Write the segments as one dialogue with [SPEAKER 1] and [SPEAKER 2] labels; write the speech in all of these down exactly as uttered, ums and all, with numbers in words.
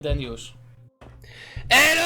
[SPEAKER 1] Jeden już.
[SPEAKER 2] Elo,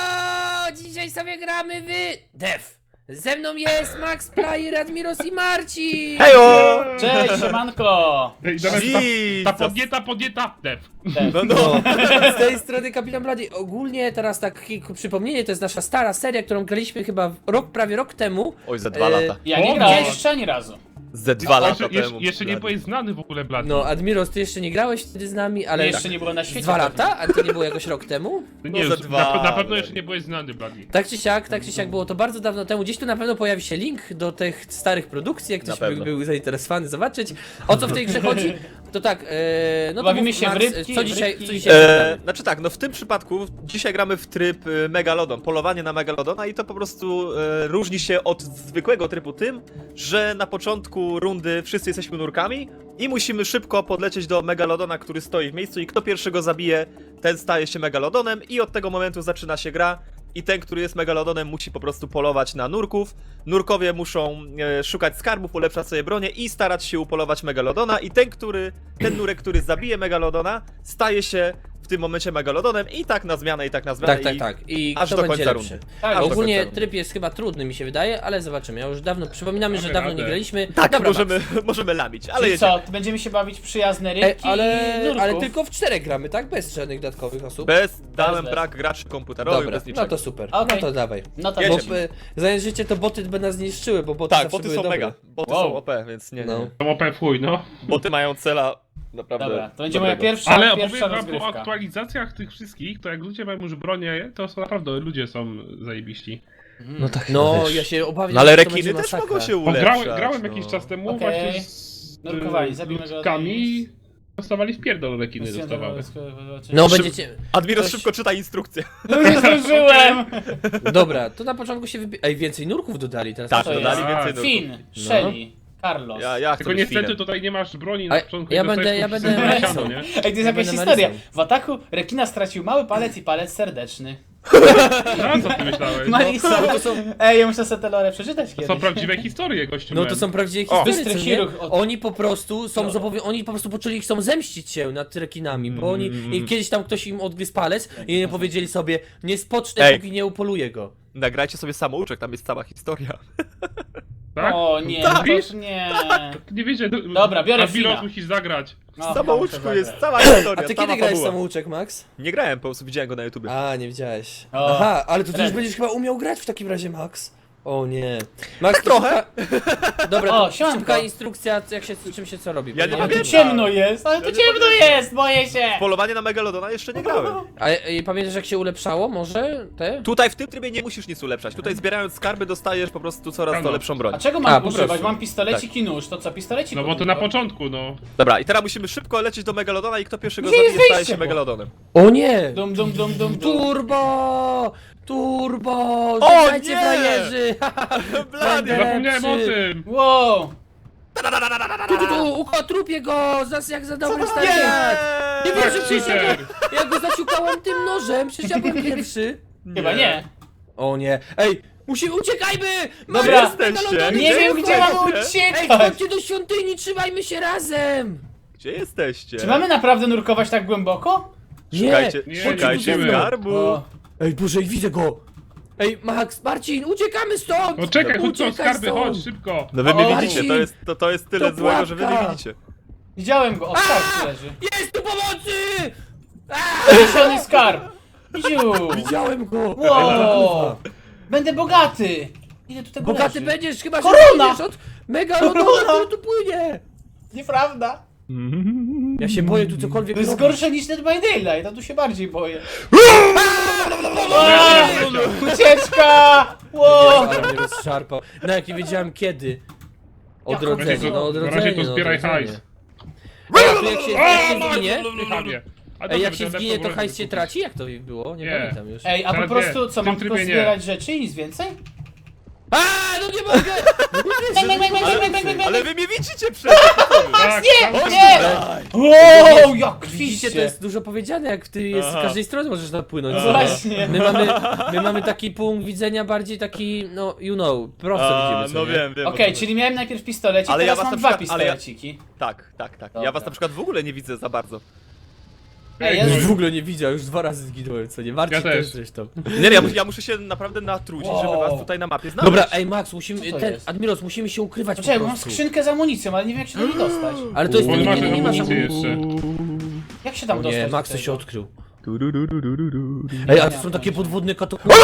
[SPEAKER 2] elo! Dzisiaj sobie gramy w Def. Ze mną jest Max, Player, Admiros i Marcin!
[SPEAKER 3] Hejo!
[SPEAKER 1] Cześć, siemanko!
[SPEAKER 4] Ej, zamiast ta,
[SPEAKER 3] Jesus.
[SPEAKER 4] ta podnieta, podnieta, def.
[SPEAKER 3] No, no.
[SPEAKER 2] Z tej strony Kapitan Blady. Ogólnie teraz takie przypomnienie, to jest nasza stara seria, którą graliśmy chyba rok, prawie rok temu.
[SPEAKER 3] Oj, ze dwa
[SPEAKER 2] E,
[SPEAKER 3] lata.
[SPEAKER 1] Ja nie
[SPEAKER 4] O,
[SPEAKER 1] grałem
[SPEAKER 4] gdzieś-
[SPEAKER 1] jeszcze ani razu.
[SPEAKER 3] Ze dwa lata
[SPEAKER 4] Jeszcze, jeszcze,
[SPEAKER 3] temu.
[SPEAKER 4] jeszcze nie byłeś znany w ogóle, Blady.
[SPEAKER 2] No, Admiros, ty jeszcze nie grałeś wtedy z nami, ale...
[SPEAKER 1] Jeszcze nie było na świecie.
[SPEAKER 2] Dwa
[SPEAKER 1] pewnie.
[SPEAKER 2] lata? A to nie było jakoś rok temu?
[SPEAKER 4] nie,
[SPEAKER 3] no, ze
[SPEAKER 4] na,
[SPEAKER 3] dwa,
[SPEAKER 4] na pewno
[SPEAKER 3] ale-
[SPEAKER 4] jeszcze nie byłeś znany, Blady.
[SPEAKER 2] Tak czy siak, tak czy siak było to bardzo dawno temu. Gdzieś tu na pewno pojawi się link do tych starych produkcji, jak ktoś
[SPEAKER 3] Na
[SPEAKER 2] by
[SPEAKER 3] pewno.
[SPEAKER 2] był zainteresowany zobaczyć, o co w tej grze chodzi. To tak, e, no to
[SPEAKER 1] Bawimy
[SPEAKER 2] mów,
[SPEAKER 1] się w
[SPEAKER 2] Max,
[SPEAKER 1] rybki,
[SPEAKER 2] co
[SPEAKER 1] w
[SPEAKER 2] dzisiaj,
[SPEAKER 1] rybki.
[SPEAKER 2] co dzisiaj
[SPEAKER 3] E, znaczy tak, no w tym przypadku dzisiaj gramy w tryb y, Megalodon, polowanie na Megalodona i to po prostu e, różni się od zwykłego trybu tym, że na początku rundy wszyscy jesteśmy nurkami i musimy szybko podlecieć do Megalodona, który stoi w miejscu i kto pierwszego zabije, ten staje się Megalodonem i od tego momentu zaczyna się gra. I ten, który jest Megalodonem, musi po prostu polować na nurków. Nurkowie muszą e, szukać skarbów, ulepszać sobie bronię i starać się upolować Megalodona. I ten, który, ten nurek, który zabije Megalodona, staje się w tym momencie Megalodonem i tak na zmianę, i tak na zmianę.
[SPEAKER 2] Tak, tak,
[SPEAKER 3] i
[SPEAKER 2] tak. I
[SPEAKER 3] aż
[SPEAKER 2] kto
[SPEAKER 3] do
[SPEAKER 2] będzie
[SPEAKER 3] końca
[SPEAKER 2] lepszy?
[SPEAKER 3] rundy.
[SPEAKER 1] Tak,
[SPEAKER 3] Aż do
[SPEAKER 2] Ogólnie
[SPEAKER 3] końca rundy.
[SPEAKER 2] tryb jest chyba trudny, mi się wydaje, ale zobaczymy. Ja już dawno, przypominamy, że
[SPEAKER 4] Mamy
[SPEAKER 2] dawno
[SPEAKER 4] radę.
[SPEAKER 2] nie graliśmy.
[SPEAKER 3] Tak,
[SPEAKER 2] Dobra,
[SPEAKER 3] możemy,
[SPEAKER 2] Max.
[SPEAKER 3] możemy lamić, ale
[SPEAKER 1] Czyli
[SPEAKER 3] jedziemy.
[SPEAKER 1] co, będziemy się bawić w przyjazne
[SPEAKER 2] E,
[SPEAKER 1] rybki
[SPEAKER 2] ale,
[SPEAKER 1] i nurków.
[SPEAKER 2] ale tylko w czterech gramy, tak? Bez żadnych dodatkowych osób.
[SPEAKER 3] Bez, dałem
[SPEAKER 1] bez.
[SPEAKER 3] brak graczy komputerowych,
[SPEAKER 2] Dobra,
[SPEAKER 3] bez niczego.
[SPEAKER 2] no to super.
[SPEAKER 1] Okej.
[SPEAKER 2] No to dawaj.
[SPEAKER 1] No to
[SPEAKER 3] Jedziemy.
[SPEAKER 1] jedziemy.
[SPEAKER 2] Bo, e, zająć życie to boty by nas zniszczyły, bo boty
[SPEAKER 3] Tak,
[SPEAKER 2] zawsze
[SPEAKER 3] boty
[SPEAKER 2] były
[SPEAKER 3] są
[SPEAKER 2] dobre.
[SPEAKER 3] mega. Boty
[SPEAKER 1] Wow.
[SPEAKER 3] są O P, więc nie, nie.
[SPEAKER 2] No.
[SPEAKER 4] To O P fuj, no.
[SPEAKER 3] Boty mają cela naprawdę
[SPEAKER 1] Dobra, to będzie moja
[SPEAKER 3] dobrego.
[SPEAKER 1] pierwsza,
[SPEAKER 4] Ale opowiem
[SPEAKER 1] pierwsza
[SPEAKER 4] wam po
[SPEAKER 1] rozgrywka.
[SPEAKER 4] aktualizacjach tych wszystkich, to jak ludzie mają już bronię, to są naprawdę ludzie są zajebiści.
[SPEAKER 2] No tak. No,
[SPEAKER 3] wiesz.
[SPEAKER 2] ja się obawiam,
[SPEAKER 3] No ale
[SPEAKER 2] że to
[SPEAKER 3] rekiny
[SPEAKER 2] będzie
[SPEAKER 3] też
[SPEAKER 2] masakra.
[SPEAKER 3] mogą się
[SPEAKER 4] Bo
[SPEAKER 3] ulepszać.
[SPEAKER 4] grałem, grałem
[SPEAKER 3] no.
[SPEAKER 4] jakiś czas temu
[SPEAKER 1] Okej.
[SPEAKER 4] właśnie z
[SPEAKER 1] Nurkowali,
[SPEAKER 4] z
[SPEAKER 1] zabijmy go
[SPEAKER 4] ludkami
[SPEAKER 1] od
[SPEAKER 4] i dostawali w pierdol rekiny dostawały.
[SPEAKER 2] No
[SPEAKER 3] Szyb-
[SPEAKER 2] będziecie...
[SPEAKER 3] Admiros
[SPEAKER 2] Ktoś-
[SPEAKER 3] szybko czyta instrukcję.
[SPEAKER 1] No nie zdążyłem!
[SPEAKER 2] Dobra, to na początku się wybi... Ej, więcej nurków dodali teraz.
[SPEAKER 3] Tak,
[SPEAKER 1] to
[SPEAKER 3] dodali
[SPEAKER 1] jest?
[SPEAKER 3] więcej nurków.
[SPEAKER 1] Finn, Shelly, Carlos.
[SPEAKER 3] Ja, ja chcę
[SPEAKER 4] Tylko
[SPEAKER 3] być
[SPEAKER 4] niestety
[SPEAKER 3] Finem.
[SPEAKER 4] tutaj nie masz broni
[SPEAKER 2] A
[SPEAKER 4] na początku
[SPEAKER 2] ja
[SPEAKER 4] i
[SPEAKER 2] będę-
[SPEAKER 4] dostajesz
[SPEAKER 2] ja
[SPEAKER 4] po
[SPEAKER 2] będę
[SPEAKER 4] prostu
[SPEAKER 2] Marysą.
[SPEAKER 4] siano, nie?
[SPEAKER 1] Ej, to jest
[SPEAKER 2] Ja
[SPEAKER 1] jakaś
[SPEAKER 2] będę
[SPEAKER 1] historia.
[SPEAKER 2] Marysą.
[SPEAKER 1] W ataku rekina stracił mały palec i palec serdeczny.
[SPEAKER 4] A co ty myślałeś?
[SPEAKER 1] Marisa,
[SPEAKER 2] No to są-
[SPEAKER 1] Ej, ja muszę sobie te lore przeczytać
[SPEAKER 4] To
[SPEAKER 1] kiedyś.
[SPEAKER 4] są prawdziwe historie, gościu.
[SPEAKER 2] No
[SPEAKER 4] men.
[SPEAKER 2] to są prawdziwe
[SPEAKER 3] O,
[SPEAKER 2] historie,
[SPEAKER 1] bystry
[SPEAKER 2] co nie?
[SPEAKER 1] chirurg od-
[SPEAKER 2] Oni po prostu są
[SPEAKER 1] No.
[SPEAKER 2] zobowi... Oni po prostu poczuli, chcą zemścić się nad rekinami, bo oni...
[SPEAKER 3] Mm.
[SPEAKER 2] I kiedyś tam ktoś im odgryzł palec i nie powiedzieli sobie, nie spocznę,
[SPEAKER 3] Ej.
[SPEAKER 2] póki nie upoluję go.
[SPEAKER 3] Nagrajcie sobie samouczek, tam jest cała historia.
[SPEAKER 4] Tak?
[SPEAKER 1] O nie,
[SPEAKER 4] Tak.
[SPEAKER 1] no to już nie.
[SPEAKER 4] Nie wiecie,
[SPEAKER 1] Dobra, biorę
[SPEAKER 4] Admiros
[SPEAKER 1] Fina.
[SPEAKER 4] musisz zagrać.
[SPEAKER 1] No,
[SPEAKER 3] W samouczku
[SPEAKER 1] muszę
[SPEAKER 3] jest
[SPEAKER 1] zagrać.
[SPEAKER 3] cała historia,
[SPEAKER 2] A ty
[SPEAKER 3] cała
[SPEAKER 2] kiedy grałeś
[SPEAKER 3] fabuła.
[SPEAKER 2] samouczek, Max?
[SPEAKER 3] Nie grałem, po prostu widziałem go na YouTubie.
[SPEAKER 2] A, nie widziałeś.
[SPEAKER 1] O,
[SPEAKER 2] Aha, ale to ty już
[SPEAKER 1] Ren.
[SPEAKER 2] będziesz chyba umiał grać w takim razie, Max. O nie. Max,
[SPEAKER 3] Tak trochę.
[SPEAKER 2] Szybka... Dobra,
[SPEAKER 1] O,
[SPEAKER 2] to
[SPEAKER 1] siemanko.
[SPEAKER 2] szybka instrukcja, jak się, czym się co robi.
[SPEAKER 3] Ja
[SPEAKER 2] bo
[SPEAKER 3] nie
[SPEAKER 1] Ale
[SPEAKER 3] pamiętam.
[SPEAKER 1] tu ciemno jest, ale tu
[SPEAKER 3] Ja nie
[SPEAKER 1] ciemno
[SPEAKER 3] pamiętam.
[SPEAKER 1] jest, boję się.
[SPEAKER 3] Polowanie na Megalodona jeszcze nie grałem.
[SPEAKER 2] A i pamiętasz jak się ulepszało może te?
[SPEAKER 3] Tutaj w tym trybie nie musisz nic ulepszać. Tutaj zbierając skarby dostajesz po prostu coraz to
[SPEAKER 4] No.
[SPEAKER 3] lepszą broń.
[SPEAKER 1] A czego
[SPEAKER 2] A,
[SPEAKER 1] mam
[SPEAKER 2] po
[SPEAKER 1] używać?
[SPEAKER 2] prostu.
[SPEAKER 1] Mam pistolecik i nóż, to co, pistolecik?
[SPEAKER 4] No bo to na początku, no.
[SPEAKER 3] Dobra, i teraz musimy szybko lecieć do Megalodona i kto pierwszego
[SPEAKER 1] Gdzie jest
[SPEAKER 3] zabije staje
[SPEAKER 1] wyjście,
[SPEAKER 3] się
[SPEAKER 1] bo-
[SPEAKER 3] Megalodonem.
[SPEAKER 2] O nie!
[SPEAKER 1] Dum, dum, dum, dum, dum.
[SPEAKER 2] Turbo! Turbo!
[SPEAKER 3] O
[SPEAKER 2] Żegnajcie
[SPEAKER 3] nie!
[SPEAKER 2] frajerzy!
[SPEAKER 3] Blady!
[SPEAKER 2] Będę-
[SPEAKER 4] Zapomniałem o
[SPEAKER 2] lepszy.
[SPEAKER 4] tym!
[SPEAKER 1] Wow!
[SPEAKER 2] Tu, tu, tu, ukotrupię go! Zas jak za dobry stary
[SPEAKER 3] Nie!
[SPEAKER 2] lat! Nie
[SPEAKER 4] Tak,
[SPEAKER 2] wierzę, przecież ja
[SPEAKER 4] super.
[SPEAKER 2] go, ja go zaciukałem tym nożem, przecież ja byłem pierwszy.
[SPEAKER 1] Chyba nie.
[SPEAKER 2] O nie. Ej, musimy, uciekajmy!
[SPEAKER 1] Dobra.
[SPEAKER 3] Jesteście?
[SPEAKER 1] Nie
[SPEAKER 3] Gdzie
[SPEAKER 1] wiem gdzie mam
[SPEAKER 3] jesteście?
[SPEAKER 2] Ej,
[SPEAKER 1] uciekać!
[SPEAKER 2] chodźcie do świątyni, trzymajmy się razem!
[SPEAKER 3] Gdzie jesteście?
[SPEAKER 1] Czy mamy naprawdę nurkować tak głęboko?
[SPEAKER 3] Szukajcie,
[SPEAKER 2] Nie,
[SPEAKER 4] Nie,
[SPEAKER 3] szukajcie
[SPEAKER 4] nie, nie.
[SPEAKER 3] skarbu.
[SPEAKER 1] O.
[SPEAKER 2] Ej, Boże, widzę go! Ej, Max, Marcin, uciekamy stąd!
[SPEAKER 4] No czekaj, chodź,
[SPEAKER 2] Uciekaj
[SPEAKER 4] skarby,
[SPEAKER 2] stąd.
[SPEAKER 4] chodź, szybko!
[SPEAKER 3] No wy mnie
[SPEAKER 1] O,
[SPEAKER 3] widzicie,
[SPEAKER 2] Marcin!
[SPEAKER 3] to jest, to, to jest tyle
[SPEAKER 2] To
[SPEAKER 3] złego, że wy mnie
[SPEAKER 2] pułapka!
[SPEAKER 3] widzicie.
[SPEAKER 1] Widziałem go, o skarb leży.
[SPEAKER 2] Jest tu pomocy!
[SPEAKER 1] Zielony skarb! Ziu!
[SPEAKER 2] Widziałem go!
[SPEAKER 1] Wow! Będę bogaty! Ile tu tego
[SPEAKER 2] Bogaty
[SPEAKER 1] leży?
[SPEAKER 2] będziesz, chyba że
[SPEAKER 1] Korona!
[SPEAKER 2] będziesz od megalodona,
[SPEAKER 1] Korona!
[SPEAKER 2] który tu płynie!
[SPEAKER 1] Nieprawda!
[SPEAKER 2] Ja się boję tu cokolwiek
[SPEAKER 1] To jest
[SPEAKER 2] robić.
[SPEAKER 1] gorsze niż Dead by Daylight, ja tu się bardziej boję.
[SPEAKER 4] Wow!
[SPEAKER 1] Ucieczka! Wow!
[SPEAKER 2] Ale mnie rozszarpał. No jak nie wiedziałem kiedy. Odrodzenie,
[SPEAKER 4] Na razie
[SPEAKER 2] no
[SPEAKER 4] to-
[SPEAKER 2] odrodzenie,
[SPEAKER 4] na razie to
[SPEAKER 2] no,
[SPEAKER 4] zbieraj
[SPEAKER 2] odrodzenie.
[SPEAKER 4] hajs.
[SPEAKER 2] Ej, a tu jak się, jak się
[SPEAKER 4] O,
[SPEAKER 2] zginie?
[SPEAKER 4] Pychanie. A
[SPEAKER 2] Ej,
[SPEAKER 4] dobrze,
[SPEAKER 2] jak się
[SPEAKER 4] będę
[SPEAKER 2] zginie, to
[SPEAKER 4] lepszą
[SPEAKER 2] hajs
[SPEAKER 4] broń
[SPEAKER 2] się
[SPEAKER 4] kupić.
[SPEAKER 2] traci? Jak to było? Nie,
[SPEAKER 4] Nie.
[SPEAKER 2] pamiętam już.
[SPEAKER 1] Ej, a po
[SPEAKER 4] Teraz
[SPEAKER 1] prostu
[SPEAKER 4] nie,
[SPEAKER 1] co,
[SPEAKER 4] w
[SPEAKER 1] mam
[SPEAKER 4] tym
[SPEAKER 1] tylko
[SPEAKER 4] trybie nie.
[SPEAKER 1] zbierać rzeczy i nic więcej?
[SPEAKER 2] A, no nie mogę!
[SPEAKER 3] Ale, ale wy mnie widzicie przecież!
[SPEAKER 4] Tak,
[SPEAKER 1] Nie,
[SPEAKER 4] tam-
[SPEAKER 1] nie! Wow, jak
[SPEAKER 2] Widzicie,
[SPEAKER 1] krwiście!
[SPEAKER 2] to jest dużo powiedziane, jak ty jest, z
[SPEAKER 3] Aha.
[SPEAKER 2] każdej strony możesz napłynąć.
[SPEAKER 1] No
[SPEAKER 2] sobie.
[SPEAKER 1] właśnie.
[SPEAKER 2] My mamy, my mamy taki punkt widzenia bardziej taki, no, you know, prosto
[SPEAKER 3] A,
[SPEAKER 2] widzimy, co
[SPEAKER 3] no
[SPEAKER 2] nie?
[SPEAKER 3] wiem, wiem. o
[SPEAKER 1] Okej,
[SPEAKER 3] co
[SPEAKER 1] czyli miałem najpierw pistolecik,
[SPEAKER 3] Ale ja
[SPEAKER 1] teraz
[SPEAKER 3] was
[SPEAKER 1] mam
[SPEAKER 3] na
[SPEAKER 1] dwa
[SPEAKER 3] przykład- ale ja-
[SPEAKER 1] pistoleciki.
[SPEAKER 3] chodzi. Tak, tak, tak.
[SPEAKER 1] Dobra.
[SPEAKER 3] Ja was na przykład w ogóle nie widzę za bardzo.
[SPEAKER 1] Ej,
[SPEAKER 4] No
[SPEAKER 1] ja-
[SPEAKER 4] i-
[SPEAKER 2] W ogóle nie widział, już dwa razy zginąłem, co nie? Marcin
[SPEAKER 4] Ja
[SPEAKER 2] też
[SPEAKER 4] też.
[SPEAKER 2] zresztą.
[SPEAKER 3] Nie, ja, ja muszę się naprawdę natrudzić,
[SPEAKER 1] Wow.
[SPEAKER 3] żeby was tutaj na mapie znaleźć.
[SPEAKER 2] Dobra, ej Max, musimy,
[SPEAKER 1] Co to
[SPEAKER 2] ten,
[SPEAKER 1] jest?
[SPEAKER 2] Admiros, musimy się ukrywać
[SPEAKER 1] Poczekaj,
[SPEAKER 2] po
[SPEAKER 1] bo mam
[SPEAKER 2] prostu.
[SPEAKER 1] skrzynkę z amunicją, ale nie wiem jak się do niej dostać.
[SPEAKER 2] Ale to jest,
[SPEAKER 4] On
[SPEAKER 2] nie,
[SPEAKER 4] ma
[SPEAKER 2] nie, nie, nie masz
[SPEAKER 4] amunicję
[SPEAKER 2] amunicji.
[SPEAKER 4] jeszcze.
[SPEAKER 1] Jak się tam
[SPEAKER 2] O
[SPEAKER 1] dostać?
[SPEAKER 2] nie,
[SPEAKER 1] do
[SPEAKER 2] Max to
[SPEAKER 1] tego?
[SPEAKER 2] się odkrył.
[SPEAKER 3] Du-du-du-du-du-du.
[SPEAKER 2] Ej, a to
[SPEAKER 1] nie
[SPEAKER 2] są
[SPEAKER 1] mam
[SPEAKER 2] takie
[SPEAKER 1] pojęcia.
[SPEAKER 2] podwodne katakumby.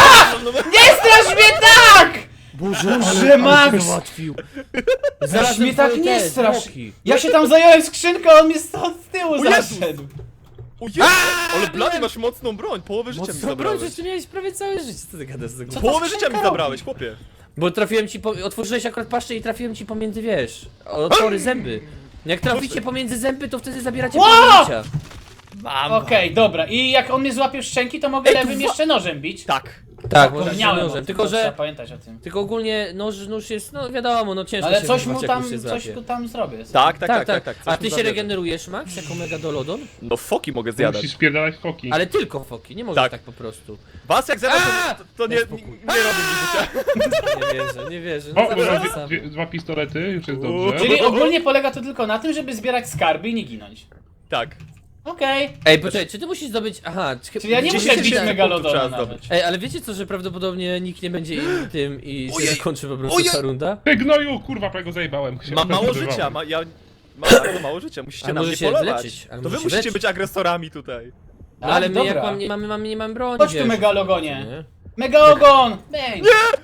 [SPEAKER 1] Nie strasz mnie tak!
[SPEAKER 2] Boże,
[SPEAKER 1] Boże,
[SPEAKER 2] ale
[SPEAKER 1] Max!
[SPEAKER 2] ale załatwił.
[SPEAKER 1] Zaraz mnie tak
[SPEAKER 2] twoje
[SPEAKER 1] nie
[SPEAKER 2] te
[SPEAKER 1] strasz!
[SPEAKER 2] zwłoki.
[SPEAKER 1] Ja się tam zająłem skrzynkę, a on mnie stąd z tyłu
[SPEAKER 3] O Jezus!
[SPEAKER 1] zaszedł.
[SPEAKER 3] O Jezu, ale Blady masz mocną broń, połowę życia mi
[SPEAKER 2] Mocno broń,
[SPEAKER 3] zabrałeś.
[SPEAKER 2] że ty miałeś prawie całe życie, co ty gadasz z tego?
[SPEAKER 1] Co?
[SPEAKER 3] Połowę
[SPEAKER 1] ta
[SPEAKER 3] życia
[SPEAKER 1] skrzynka
[SPEAKER 3] mi zabrałeś, chłopie.
[SPEAKER 2] Bo trafiłem ci, po... otworzyłeś akurat paszczę i trafiłem ci pomiędzy, wiesz, otwory zęby. Jak traficie pomiędzy zęby, to wtedy zabieracie
[SPEAKER 1] Wow!
[SPEAKER 2] połowę życia. Mam.
[SPEAKER 1] Okej, dobra. I jak on mnie złapie w szczęki, to mogę
[SPEAKER 3] Ej, tu
[SPEAKER 1] lewym
[SPEAKER 3] wa-
[SPEAKER 1] jeszcze nożem bić.
[SPEAKER 3] Tak.
[SPEAKER 2] Tak, może
[SPEAKER 1] Zapomniałem o
[SPEAKER 2] nożem,
[SPEAKER 1] tym,
[SPEAKER 2] tylko
[SPEAKER 1] trzeba
[SPEAKER 2] że...
[SPEAKER 1] pamiętać o tym.
[SPEAKER 2] Tylko ogólnie nóż, nóż jest, no wiadomo, no ciężko
[SPEAKER 1] Ale
[SPEAKER 2] się
[SPEAKER 1] coś mu
[SPEAKER 2] wyrwać, jak
[SPEAKER 1] tam,
[SPEAKER 2] już się
[SPEAKER 1] coś
[SPEAKER 2] złapie.
[SPEAKER 1] tu tam zrobię.
[SPEAKER 3] Tak, tak, tak, tak, tak.
[SPEAKER 2] A
[SPEAKER 3] coś
[SPEAKER 2] ty
[SPEAKER 3] mi
[SPEAKER 2] się
[SPEAKER 3] zabierze.
[SPEAKER 2] regenerujesz, Max, jako megadolodon?
[SPEAKER 3] No foki mogę zjadać.
[SPEAKER 4] Musisz spierdalać foki.
[SPEAKER 2] Ale tylko foki, nie możesz
[SPEAKER 3] Tak.
[SPEAKER 2] tak, po prostu.
[SPEAKER 3] Was jak zjadam,
[SPEAKER 2] A!
[SPEAKER 3] to, to nie,
[SPEAKER 2] Daj
[SPEAKER 3] nie,
[SPEAKER 2] spokój.
[SPEAKER 3] nie robię mi życia.
[SPEAKER 2] Nie wierzę, nie wierzę. No
[SPEAKER 4] O,
[SPEAKER 2] zaraz
[SPEAKER 4] dwa,
[SPEAKER 2] sam.
[SPEAKER 4] dwie, dwa pistolety, już jest
[SPEAKER 3] Uuu.
[SPEAKER 4] dobrze.
[SPEAKER 1] Czyli ogólnie polega to tylko na tym, żeby zbierać skarby i nie ginąć.
[SPEAKER 3] Tak.
[SPEAKER 1] Okej.
[SPEAKER 2] Ej, poczekaj, czy ty musisz zdobyć... Aha, czy...
[SPEAKER 1] Czyli ja nie
[SPEAKER 2] czy-
[SPEAKER 1] muszę
[SPEAKER 2] czy-
[SPEAKER 1] bić
[SPEAKER 2] czy-
[SPEAKER 1] megalodona
[SPEAKER 3] trzeba
[SPEAKER 1] nawet.
[SPEAKER 3] zdobyć.
[SPEAKER 2] Ej, ale wiecie co, że prawdopodobnie nikt nie będzie im tym i się
[SPEAKER 3] Ojej.
[SPEAKER 2] zakończy po prostu
[SPEAKER 3] Ojej.
[SPEAKER 2] ta runda?
[SPEAKER 4] Ty gnoju, kurwa, prawie go zajebałem. Się
[SPEAKER 3] Mam mało
[SPEAKER 4] zdenerwowałem.
[SPEAKER 3] życia, ma, ja mam bardzo mało życia, musicie
[SPEAKER 2] A
[SPEAKER 3] na
[SPEAKER 2] może
[SPEAKER 3] mnie
[SPEAKER 2] się
[SPEAKER 3] polować.
[SPEAKER 2] wyleczyć, a
[SPEAKER 3] To
[SPEAKER 2] może
[SPEAKER 3] wy
[SPEAKER 2] się
[SPEAKER 3] musicie
[SPEAKER 2] wyleczyć.
[SPEAKER 3] być agresorami tutaj.
[SPEAKER 2] No, ale my
[SPEAKER 1] dobra.
[SPEAKER 2] jak mam, nie mamy, mamy, nie mamy broni,
[SPEAKER 1] Chodź tu,
[SPEAKER 2] wiesz.
[SPEAKER 1] megalogonie.
[SPEAKER 2] Nie?
[SPEAKER 1] Mega ogon! Bang!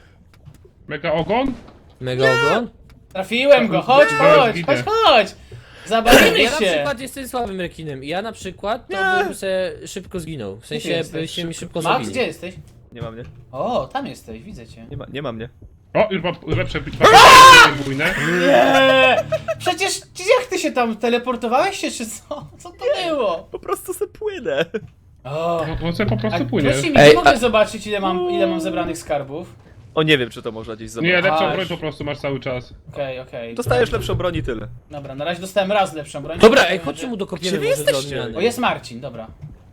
[SPEAKER 4] Mega ogon?
[SPEAKER 2] Mega ogon?
[SPEAKER 1] Trafiłem go, chodź,
[SPEAKER 4] Zaraz
[SPEAKER 1] chodź,
[SPEAKER 4] gidę.
[SPEAKER 1] chodź, chodź! Zabawimy
[SPEAKER 2] Ja na
[SPEAKER 1] się!
[SPEAKER 2] przykład jestem słabym rekinem i ja na przykład to
[SPEAKER 3] Nie.
[SPEAKER 2] bym se szybko zginął. W
[SPEAKER 1] Gdzie
[SPEAKER 2] sensie
[SPEAKER 1] ty jesteś?
[SPEAKER 2] byście mi szybko
[SPEAKER 1] Max,
[SPEAKER 2] zabili.
[SPEAKER 1] gdzie jesteś?
[SPEAKER 3] Nie ma mnie.
[SPEAKER 1] O, tam jesteś, widzę cię.
[SPEAKER 3] Nie ma, nie ma mnie.
[SPEAKER 4] O, już mam lepsze bójne.
[SPEAKER 1] Nie! Przecież jak ty się tam teleportowałeś się, czy co? Co to było?
[SPEAKER 3] Po prostu se płynę.
[SPEAKER 1] O,
[SPEAKER 4] No to sobie po
[SPEAKER 1] a
[SPEAKER 4] prostu płynie.
[SPEAKER 1] proszę mi,
[SPEAKER 2] Ej,
[SPEAKER 1] nie mogę
[SPEAKER 2] a-
[SPEAKER 1] zobaczyć ile mam, ile mam zebranych skarbów.
[SPEAKER 3] O, nie wiem, czy to można gdzieś
[SPEAKER 4] Nie,
[SPEAKER 3] zobaczyć.
[SPEAKER 4] lepszą
[SPEAKER 1] Aż.
[SPEAKER 4] broń po prostu masz cały czas.
[SPEAKER 1] Okej, okej.
[SPEAKER 3] Dostajesz lepszą broń i tyle.
[SPEAKER 1] Dobra, na razie dostałem raz lepszą broń.
[SPEAKER 2] Dobra, ej, chodźcie mu dokopiemy
[SPEAKER 3] Gdzie wy
[SPEAKER 2] może do
[SPEAKER 3] jesteście?
[SPEAKER 2] odmiany.
[SPEAKER 1] O, jest Marcin, dobra.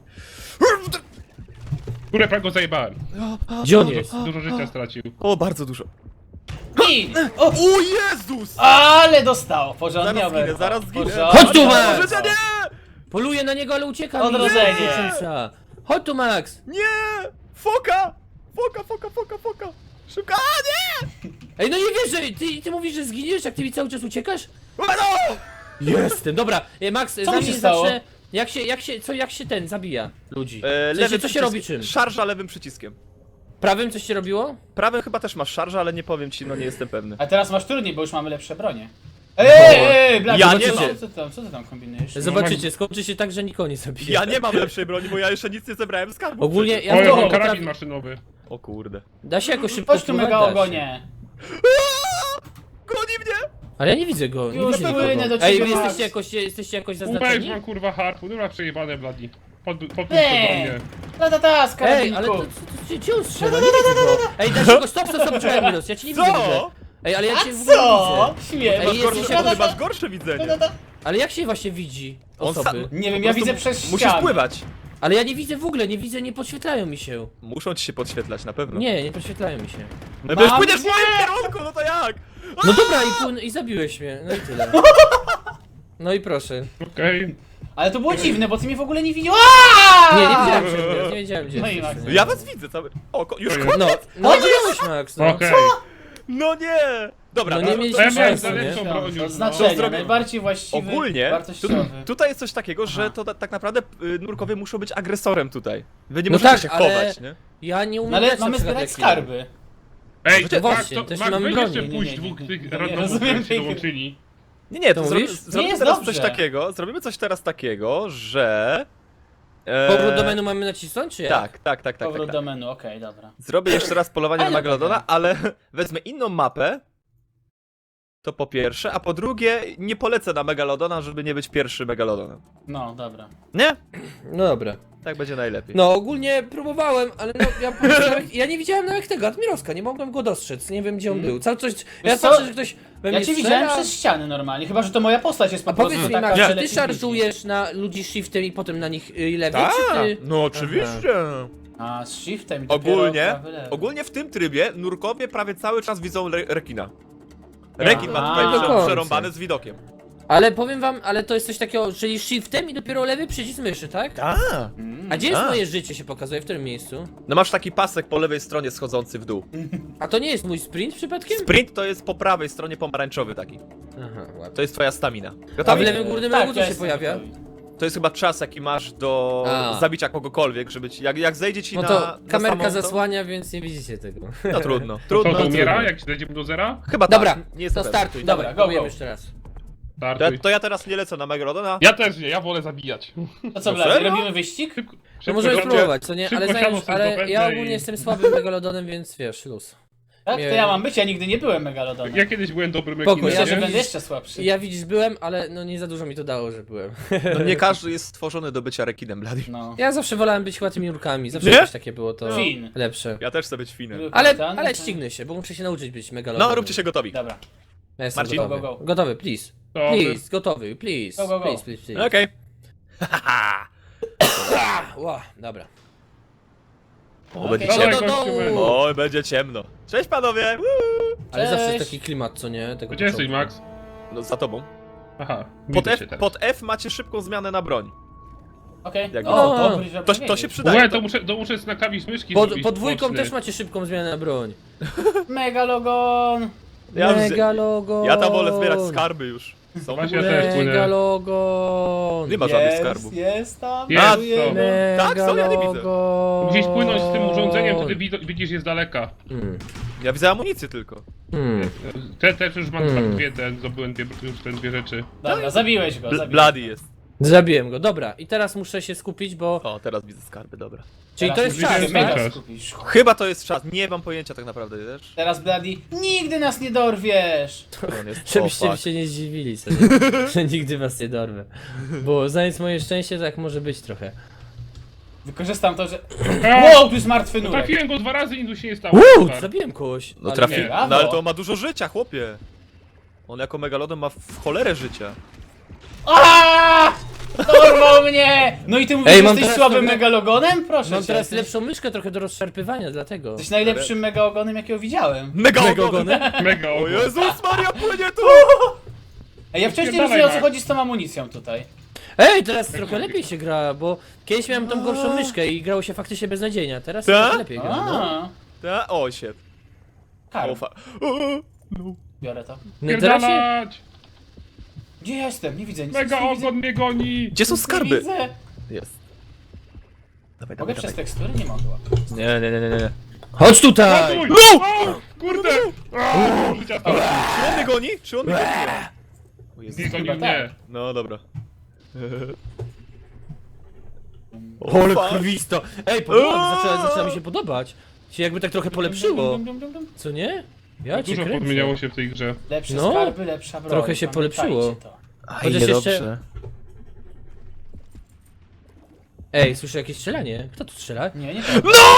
[SPEAKER 4] Które prawie go zajebałem.
[SPEAKER 2] Gdzie on
[SPEAKER 4] Dużo,
[SPEAKER 2] jest?
[SPEAKER 4] dużo życia stracił.
[SPEAKER 3] O, bardzo dużo.
[SPEAKER 1] I! O,
[SPEAKER 3] O Jezus!
[SPEAKER 1] ale dostał! Porządnie,
[SPEAKER 3] Zaraz zginę,
[SPEAKER 1] Oberko.
[SPEAKER 3] zaraz zginę.
[SPEAKER 1] Porządnie,
[SPEAKER 2] Chodź tu, Max!
[SPEAKER 1] Oberko.
[SPEAKER 3] Życia nie!
[SPEAKER 2] Poluję na niego, ale ucieka
[SPEAKER 1] Odrodzenie.
[SPEAKER 2] mi. Zwycięzca. Chodź tu, Max!
[SPEAKER 3] Nie! Foka! Foka, foka, foka, foka! Szuka! A, nie!
[SPEAKER 2] Ej, no nie wierzę! Ty, ty mówisz, że zginiesz, jak ty mi cały czas uciekasz?
[SPEAKER 3] No!
[SPEAKER 2] Jestem, dobra. Ej, Max,
[SPEAKER 1] mi
[SPEAKER 2] zanim
[SPEAKER 1] się stało?
[SPEAKER 2] zacznę... Jak się, jak się, co, jak się ten zabija ludzi?
[SPEAKER 3] E,
[SPEAKER 2] W sensie,
[SPEAKER 3] lewy
[SPEAKER 2] co się
[SPEAKER 3] przycisk-
[SPEAKER 2] robi czym?
[SPEAKER 3] Szarża lewym przyciskiem.
[SPEAKER 2] Prawym coś się robiło?
[SPEAKER 3] Prawym chyba też masz szarżę, ale nie powiem ci, no nie jestem pewny.
[SPEAKER 1] A teraz masz trudniej, bo już mamy lepsze bronie. Ej, ej, ej, Blady,
[SPEAKER 3] Ja
[SPEAKER 1] co-
[SPEAKER 3] nie
[SPEAKER 1] co,
[SPEAKER 3] mam.
[SPEAKER 1] co, ty tam, co ty tam kombinujesz?
[SPEAKER 2] Zobaczycie, skończy się tak, że nikogo nie zabije.
[SPEAKER 3] Ja nie mam lepszej broni, bo ja jeszcze nic nie zebrałem z skarbu.
[SPEAKER 2] Ogólnie
[SPEAKER 3] przecież.
[SPEAKER 2] ja
[SPEAKER 4] O, ja
[SPEAKER 2] to
[SPEAKER 4] mam
[SPEAKER 2] potrafię-
[SPEAKER 4] karabin maszynowy.
[SPEAKER 3] O kurde.
[SPEAKER 2] Da się jakoś szybko
[SPEAKER 1] Chodź tu,
[SPEAKER 2] spływać?
[SPEAKER 1] mega
[SPEAKER 2] Da się.
[SPEAKER 1] ogonie.
[SPEAKER 3] Goni mnie!
[SPEAKER 2] Ale ja nie widzę go, nie
[SPEAKER 1] Już
[SPEAKER 2] widzę
[SPEAKER 1] płynę
[SPEAKER 2] nikogo.
[SPEAKER 1] do
[SPEAKER 2] Ej,
[SPEAKER 1] ciebie,
[SPEAKER 2] wy
[SPEAKER 1] Max.
[SPEAKER 2] jesteście jakoś, jesteście jakoś
[SPEAKER 4] Uweź
[SPEAKER 2] zaznaczeni?
[SPEAKER 4] mam kurwa harpu, dobra przejebane bladi. Pod, podpuść to
[SPEAKER 1] Nie.
[SPEAKER 4] do mnie.
[SPEAKER 1] Ta ta ta, z
[SPEAKER 2] Ej, ale to,
[SPEAKER 1] karabinku.
[SPEAKER 2] to, to, gdzie on strzela? Nie widzę go. Ej, daj się go, stop, stop, stop, czekaj, Miros, ja cię nie widzę w ogóle.
[SPEAKER 3] Co?
[SPEAKER 2] Ej, ale ja
[SPEAKER 1] A
[SPEAKER 2] cię w ogóle nie
[SPEAKER 1] co?
[SPEAKER 2] widzę.
[SPEAKER 1] Śmiem.
[SPEAKER 2] Ej,
[SPEAKER 3] Masz
[SPEAKER 2] jesteś
[SPEAKER 3] gorsze,
[SPEAKER 2] jakoś-
[SPEAKER 3] ty masz gorsze widzenie.
[SPEAKER 2] Ale jak się właśnie widzi
[SPEAKER 3] On
[SPEAKER 2] osoby?
[SPEAKER 3] sam-
[SPEAKER 1] Nie wiem,
[SPEAKER 3] po
[SPEAKER 1] ja
[SPEAKER 3] prostu
[SPEAKER 1] widzę przez
[SPEAKER 3] Musisz
[SPEAKER 1] ściany.
[SPEAKER 3] pływać.
[SPEAKER 2] Ale ja nie widzę w ogóle, nie widzę, nie podświetlają mi się.
[SPEAKER 3] Muszą ci się podświetlać, na pewno.
[SPEAKER 2] Nie, nie podświetlają mi się.
[SPEAKER 3] No bo już
[SPEAKER 1] Mam
[SPEAKER 3] płyniesz w
[SPEAKER 1] cię!
[SPEAKER 3] moim kierunku, no to jak?
[SPEAKER 2] No dobra, i, płyn, i zabiłeś mnie, no i tyle. No i proszę.
[SPEAKER 4] Okej.
[SPEAKER 1] Ale to było dziwne, bo ty mnie w ogóle nie widział.
[SPEAKER 2] Nie, nie wiedziałem, że nie wiedziałem, gdzie
[SPEAKER 1] No i
[SPEAKER 2] jesteś.
[SPEAKER 1] Max.
[SPEAKER 2] nie?
[SPEAKER 3] Ja was widzę cały... O, ko- już
[SPEAKER 4] To
[SPEAKER 3] koniec?
[SPEAKER 2] No, no widziałeś, Max, no.
[SPEAKER 4] Okej.
[SPEAKER 3] No nie! Dobra,
[SPEAKER 2] No
[SPEAKER 3] no
[SPEAKER 2] nie
[SPEAKER 3] to-
[SPEAKER 2] mieliśmy
[SPEAKER 4] Ja miałem
[SPEAKER 2] szans, nie?
[SPEAKER 4] lepszą broń już, no.
[SPEAKER 1] Oznaczenia,
[SPEAKER 3] zrobię-
[SPEAKER 1] najbardziej właściwy,
[SPEAKER 3] Ogólnie, tu,
[SPEAKER 1] wartościowy.
[SPEAKER 3] tutaj jest coś takiego, że
[SPEAKER 1] Aha.
[SPEAKER 3] to ta, tak naprawdę y, nurkowie muszą być agresorem tutaj. Wy nie
[SPEAKER 2] No
[SPEAKER 3] możecie
[SPEAKER 2] tak,
[SPEAKER 3] się
[SPEAKER 2] ale-
[SPEAKER 3] chować, nie?
[SPEAKER 2] Ja nie umiem
[SPEAKER 1] No ale
[SPEAKER 2] grać na
[SPEAKER 1] mamy
[SPEAKER 2] przykład
[SPEAKER 1] zbierać
[SPEAKER 2] jak ja.
[SPEAKER 1] skarby.
[SPEAKER 4] Ej,
[SPEAKER 3] No
[SPEAKER 4] tak,
[SPEAKER 2] właśnie,
[SPEAKER 4] to,
[SPEAKER 2] też
[SPEAKER 4] Max,
[SPEAKER 2] nie mamy
[SPEAKER 4] weź
[SPEAKER 2] broni.
[SPEAKER 4] jeszcze
[SPEAKER 1] Nie, nie,
[SPEAKER 4] pójść
[SPEAKER 1] nie,
[SPEAKER 4] dwóch
[SPEAKER 1] nie,
[SPEAKER 4] tych
[SPEAKER 1] nie, nie
[SPEAKER 4] randomów,
[SPEAKER 1] rozumiem
[SPEAKER 4] którzy się
[SPEAKER 1] tej gry.
[SPEAKER 4] dołączyli.
[SPEAKER 3] Nie, nie,
[SPEAKER 2] To
[SPEAKER 3] to zrobi,
[SPEAKER 2] mówisz?
[SPEAKER 3] zrobimy
[SPEAKER 1] jest
[SPEAKER 3] teraz
[SPEAKER 1] dobrze.
[SPEAKER 3] coś takiego, zrobimy coś teraz takiego, że... E,
[SPEAKER 2] Powrót do menu mamy nacisnąć, czy jak?
[SPEAKER 3] Tak, tak, tak, tak, tak,
[SPEAKER 1] Powrót
[SPEAKER 3] tak.
[SPEAKER 1] do menu, okej, dobra.
[SPEAKER 3] Zrobię jeszcze raz polowanie na
[SPEAKER 1] Ale
[SPEAKER 3] Megalodona,
[SPEAKER 1] dobra.
[SPEAKER 3] ale wezmę inną mapę. To po pierwsze, a po drugie nie polecę na Megalodona, żeby nie być pierwszy Megalodonem.
[SPEAKER 1] No, dobra.
[SPEAKER 3] Nie?
[SPEAKER 2] No dobra.
[SPEAKER 3] Tak będzie najlepiej.
[SPEAKER 2] No ogólnie próbowałem, ale no ja, po prostu nawet, ja nie widziałem nawet tego Admirowska, nie mogłem go dostrzec, nie wiem gdzie on był. Cały coś, ja
[SPEAKER 1] co?
[SPEAKER 2] patrzę, że ktoś we
[SPEAKER 1] Ja
[SPEAKER 2] mnie
[SPEAKER 1] cię
[SPEAKER 2] strzela.
[SPEAKER 1] widziałem przez ściany normalnie, chyba że to moja postać jest po
[SPEAKER 2] A
[SPEAKER 1] prostu
[SPEAKER 2] powiedz mi,
[SPEAKER 1] taka,
[SPEAKER 2] Max,
[SPEAKER 1] że
[SPEAKER 2] czy ty
[SPEAKER 1] lepiej widzi.
[SPEAKER 2] szarżujesz na ludzi shiftem i potem na nich y, lewej,
[SPEAKER 3] Tak,
[SPEAKER 2] czy ty...
[SPEAKER 3] no oczywiście.
[SPEAKER 1] A, z shiftem i dopiero
[SPEAKER 3] Ogólnie,
[SPEAKER 1] prawy, lewy.
[SPEAKER 3] ogólnie w tym trybie nurkowie prawie cały czas widzą re rekina. Rekin ma
[SPEAKER 1] A,
[SPEAKER 3] tutaj
[SPEAKER 1] do
[SPEAKER 3] prze
[SPEAKER 2] końca.
[SPEAKER 3] przerąbane z widokiem.
[SPEAKER 2] Ale powiem wam, ale to jest coś takiego, czyli shiftem i dopiero lewy przycisk myszy, tak?
[SPEAKER 3] A,
[SPEAKER 2] A gdzie jest
[SPEAKER 3] A.
[SPEAKER 2] moje życie się pokazuje? W którym miejscu?
[SPEAKER 3] no masz taki pasek po lewej stronie schodzący w dół.
[SPEAKER 2] A to nie jest mój sprint przypadkiem?
[SPEAKER 3] Sprint to jest po prawej stronie pomarańczowy taki.
[SPEAKER 2] Aha, ładnie.
[SPEAKER 3] To jest twoja stamina.
[SPEAKER 2] A w
[SPEAKER 3] Gotowi?
[SPEAKER 2] lewym górnym
[SPEAKER 1] Tak,
[SPEAKER 2] rogu co
[SPEAKER 1] ja
[SPEAKER 2] się
[SPEAKER 1] jestem
[SPEAKER 2] pojawia?
[SPEAKER 1] gotowy.
[SPEAKER 3] To jest chyba czas jaki masz do
[SPEAKER 2] A.
[SPEAKER 3] zabicia kogokolwiek, żeby ci, jak, jak zejdzie ci
[SPEAKER 2] No
[SPEAKER 3] na
[SPEAKER 2] to
[SPEAKER 3] na
[SPEAKER 2] kamerka
[SPEAKER 3] samą, to-
[SPEAKER 2] zasłania, więc nie widzicie tego.
[SPEAKER 3] No trudno,
[SPEAKER 4] To,
[SPEAKER 3] trudno.
[SPEAKER 4] to
[SPEAKER 3] trudno.
[SPEAKER 4] umiera, jak się dojdziemy do zera?
[SPEAKER 3] Chyba
[SPEAKER 2] Dobra,
[SPEAKER 3] tak, nie jest
[SPEAKER 2] to
[SPEAKER 3] pewny.
[SPEAKER 2] startuj,
[SPEAKER 1] Dobra,
[SPEAKER 2] dobra,
[SPEAKER 1] go,
[SPEAKER 2] próbujemy
[SPEAKER 1] go.
[SPEAKER 2] jeszcze raz.
[SPEAKER 3] To ja,
[SPEAKER 4] Startuj.
[SPEAKER 3] to ja teraz nie lecę na Megalodona.
[SPEAKER 4] Ja też nie, ja wolę zabijać.
[SPEAKER 1] To co,
[SPEAKER 3] No
[SPEAKER 1] Blady,
[SPEAKER 3] serio?
[SPEAKER 1] robimy wyścig?
[SPEAKER 4] Szybko,
[SPEAKER 2] No
[SPEAKER 4] szybko
[SPEAKER 2] możemy
[SPEAKER 4] siądzie-
[SPEAKER 2] spróbować, co nie?
[SPEAKER 4] szybko
[SPEAKER 2] Ale,
[SPEAKER 4] siano
[SPEAKER 2] zająć,
[SPEAKER 4] sobie
[SPEAKER 2] ale
[SPEAKER 4] zdobędę
[SPEAKER 2] ja
[SPEAKER 4] i-
[SPEAKER 2] ogólnie jestem słabym megalodonem, więc wiesz, luz.
[SPEAKER 1] Tak? To
[SPEAKER 2] Nie.
[SPEAKER 1] ja mam być, ja nigdy nie byłem Megalodonem.
[SPEAKER 4] Ja kiedyś byłem dobrym
[SPEAKER 2] Spoko,
[SPEAKER 4] ekinem,
[SPEAKER 1] Myślę,
[SPEAKER 2] ja
[SPEAKER 1] że
[SPEAKER 4] nie?
[SPEAKER 1] będę jeszcze słabszy.
[SPEAKER 2] Ja widzisz byłem, ale no nie za dużo mi to dało, że byłem.
[SPEAKER 3] No nie każdy jest stworzony do bycia rekinem, Blady.
[SPEAKER 1] No.
[SPEAKER 2] Ja zawsze wolałem być chyba tymi urkami, zawsze
[SPEAKER 3] Nie?
[SPEAKER 2] jakoś takie było to
[SPEAKER 1] Fin.
[SPEAKER 2] lepsze.
[SPEAKER 3] Ja też chcę być finem.
[SPEAKER 2] Ale,
[SPEAKER 1] Kapitan,
[SPEAKER 2] ale
[SPEAKER 1] to-
[SPEAKER 2] ścignę się, bo muszę się nauczyć być megalodonem.
[SPEAKER 3] No, róbcie się gotowi.
[SPEAKER 1] Dobra.
[SPEAKER 2] Ja jestem
[SPEAKER 3] Marcin?
[SPEAKER 2] gotowy.
[SPEAKER 1] Go, go, go.
[SPEAKER 2] Gotowy, please.
[SPEAKER 4] To
[SPEAKER 2] Please, gotowy, please.
[SPEAKER 1] Go, go, go.
[SPEAKER 2] Please, please, please.
[SPEAKER 3] Okej.
[SPEAKER 2] Ła, dobra.
[SPEAKER 3] O, będzie
[SPEAKER 1] Okej.
[SPEAKER 4] Dawaj,
[SPEAKER 3] ciemno.
[SPEAKER 2] do
[SPEAKER 4] gościu,
[SPEAKER 2] dołu.
[SPEAKER 4] man.
[SPEAKER 3] O, będzie ciemno. Cześć panowie! Woo!
[SPEAKER 2] Ale zawsze
[SPEAKER 1] Cześć.
[SPEAKER 2] jest taki klimat, co nie? Tego
[SPEAKER 4] Gdzie jesteś,
[SPEAKER 2] początku.
[SPEAKER 4] Max?
[SPEAKER 3] No za tobą.
[SPEAKER 4] Aha,
[SPEAKER 3] Pod
[SPEAKER 4] widzę
[SPEAKER 3] F,
[SPEAKER 4] cię teraz.
[SPEAKER 3] pod F macie szybką zmianę na broń.
[SPEAKER 1] Okej.
[SPEAKER 3] Jak
[SPEAKER 1] O,
[SPEAKER 2] widzę.
[SPEAKER 1] dobry, żeby
[SPEAKER 3] To, to się
[SPEAKER 1] wiedzieć.
[SPEAKER 3] przydaje.
[SPEAKER 4] Łe,
[SPEAKER 3] To...
[SPEAKER 4] to muszę, to muszę na klawisz myszki
[SPEAKER 2] Pod,
[SPEAKER 4] zrobić
[SPEAKER 2] pod dwójką
[SPEAKER 4] boczny.
[SPEAKER 2] też macie szybką zmianę na broń.
[SPEAKER 1] Megalogon!
[SPEAKER 3] Ja,
[SPEAKER 2] Megalogon!
[SPEAKER 3] ja tam wolę zbierać skarby już. Są
[SPEAKER 4] Właśnie
[SPEAKER 3] w
[SPEAKER 4] ja
[SPEAKER 3] ogóle...
[SPEAKER 4] też płynę.
[SPEAKER 2] Megalogon!
[SPEAKER 3] Nie ma żadnych
[SPEAKER 1] Jest,
[SPEAKER 3] skarbów.
[SPEAKER 1] jest tam.
[SPEAKER 4] Jest,
[SPEAKER 1] budujemy.
[SPEAKER 4] są.
[SPEAKER 3] Tak, są, ja nie widzę.
[SPEAKER 2] Megalogon!
[SPEAKER 4] Musisz płynąć z tym urządzeniem, wtedy wid- widzisz je z daleka.
[SPEAKER 2] Hmm.
[SPEAKER 3] Ja widzę amunicję tylko.
[SPEAKER 2] Hmm.
[SPEAKER 4] Te też już mam
[SPEAKER 2] Hmm.
[SPEAKER 4] dwie, ten, zdobyłem dwie, już te dwie rzeczy.
[SPEAKER 1] Dobra, zabiłeś go,
[SPEAKER 3] Bl
[SPEAKER 1] zabiłeś.
[SPEAKER 3] Bloody jest.
[SPEAKER 2] Zabiłem go, dobra. I teraz muszę się skupić, bo...
[SPEAKER 3] O, teraz widzę skarby, dobra.
[SPEAKER 2] Czyli to jest
[SPEAKER 1] Teraz
[SPEAKER 2] czas,
[SPEAKER 1] musisz
[SPEAKER 4] tak?
[SPEAKER 1] mega
[SPEAKER 2] tak?
[SPEAKER 4] Czas.
[SPEAKER 1] skupić.
[SPEAKER 3] Chyba to jest czas. Nie mam pojęcia tak naprawdę, wiesz?
[SPEAKER 1] Teraz Bloody, nigdy nas nie dorwiesz!
[SPEAKER 3] On jest...
[SPEAKER 2] Żebyście
[SPEAKER 3] o, fuck.
[SPEAKER 2] się nie zdziwili sobie, że nigdy was nie dorwę. Bo znając moje szczęście, tak może być trochę.
[SPEAKER 1] Wykorzystam to, że...
[SPEAKER 4] A,
[SPEAKER 1] Wow, tu jest martwy nurek!
[SPEAKER 4] trafiłem go dwa razy i nic się nie stało.
[SPEAKER 2] Uuu,
[SPEAKER 4] Super.
[SPEAKER 2] zabiłem kogoś.
[SPEAKER 3] No
[SPEAKER 2] ale
[SPEAKER 3] trafi...
[SPEAKER 2] nie.
[SPEAKER 1] Brawo.
[SPEAKER 3] No ale to on ma dużo życia, chłopie. On jako megalodon ma w cholerę życia.
[SPEAKER 1] Aaaa! Dorwał mnie! No i ty mówisz,
[SPEAKER 2] Ej,
[SPEAKER 1] że
[SPEAKER 2] mam
[SPEAKER 1] jesteś
[SPEAKER 2] teraz
[SPEAKER 1] słabym
[SPEAKER 2] trochę-
[SPEAKER 1] megalogonem? Proszę
[SPEAKER 2] Mam
[SPEAKER 1] cię.
[SPEAKER 2] teraz
[SPEAKER 1] jesteś-
[SPEAKER 2] lepszą myszkę trochę do rozszarpywania, dlatego.
[SPEAKER 1] Jesteś najlepszym megalogonem, jakiego widziałem.
[SPEAKER 3] Megalodon!
[SPEAKER 4] Mega
[SPEAKER 3] O
[SPEAKER 4] ogon.
[SPEAKER 3] Jezus Maria, płynie tu!
[SPEAKER 1] Ej, ja wciąż nie
[SPEAKER 4] Spierdalaj,
[SPEAKER 1] rozumiem, o co
[SPEAKER 4] Max.
[SPEAKER 1] chodzi z tą amunicją tutaj.
[SPEAKER 2] Ej, teraz trochę lepiej się gra, bo kiedyś miałem tą gorszą myszkę i grało się faktycznie beznadziejnie, a teraz
[SPEAKER 3] Tak?
[SPEAKER 2] trochę lepiej gra. No.
[SPEAKER 1] A,
[SPEAKER 3] Ta? O, shit.
[SPEAKER 1] Karl,
[SPEAKER 3] O, fa... o,
[SPEAKER 1] biorę to.
[SPEAKER 2] No teraz się...
[SPEAKER 4] Pierdalać!
[SPEAKER 1] Gdzie ja jestem? Nie widzę nic.
[SPEAKER 4] Mega
[SPEAKER 1] nic nie widzę.
[SPEAKER 4] ogon mnie goni!
[SPEAKER 3] Gdzie są
[SPEAKER 1] Nic nie
[SPEAKER 3] skarby?
[SPEAKER 1] widzę.
[SPEAKER 3] Jest. Dawaj,
[SPEAKER 1] Mogę
[SPEAKER 3] dawaj,
[SPEAKER 1] przez
[SPEAKER 3] dawaj.
[SPEAKER 1] tekstury? Nie mogę.
[SPEAKER 3] Nie, nie, nie, nie, nie.
[SPEAKER 2] Chodź tutaj!
[SPEAKER 4] Ratuj!
[SPEAKER 3] No!
[SPEAKER 4] O, kurde! O, życia to.
[SPEAKER 3] Czy on mnie goni? Czy on mnie goni? O Jezus.
[SPEAKER 4] Nie gonił
[SPEAKER 1] Chyba
[SPEAKER 4] mnie.
[SPEAKER 3] No dobra.
[SPEAKER 2] Ole
[SPEAKER 3] fuck.
[SPEAKER 2] krwisto! Ej, podoba, zaczyna, zaczyna mi się podobać. Się jakby tak trochę polepszyło.
[SPEAKER 1] Dum, dum, dum, dum.
[SPEAKER 2] Co nie? Ja cię
[SPEAKER 4] Dużo
[SPEAKER 2] kręcę.
[SPEAKER 4] podmieniało się w tej grze.
[SPEAKER 1] Lepsze
[SPEAKER 2] No,
[SPEAKER 1] skarby, lepsza broń.
[SPEAKER 2] trochę się
[SPEAKER 1] Pamiętajcie
[SPEAKER 2] polepszyło.
[SPEAKER 1] to.
[SPEAKER 3] Aj,
[SPEAKER 2] Chociaż jeszcze-
[SPEAKER 3] niedobrze.
[SPEAKER 2] Ej, słyszę jakieś strzelanie. Kto tu strzela?
[SPEAKER 1] Nie, nie to.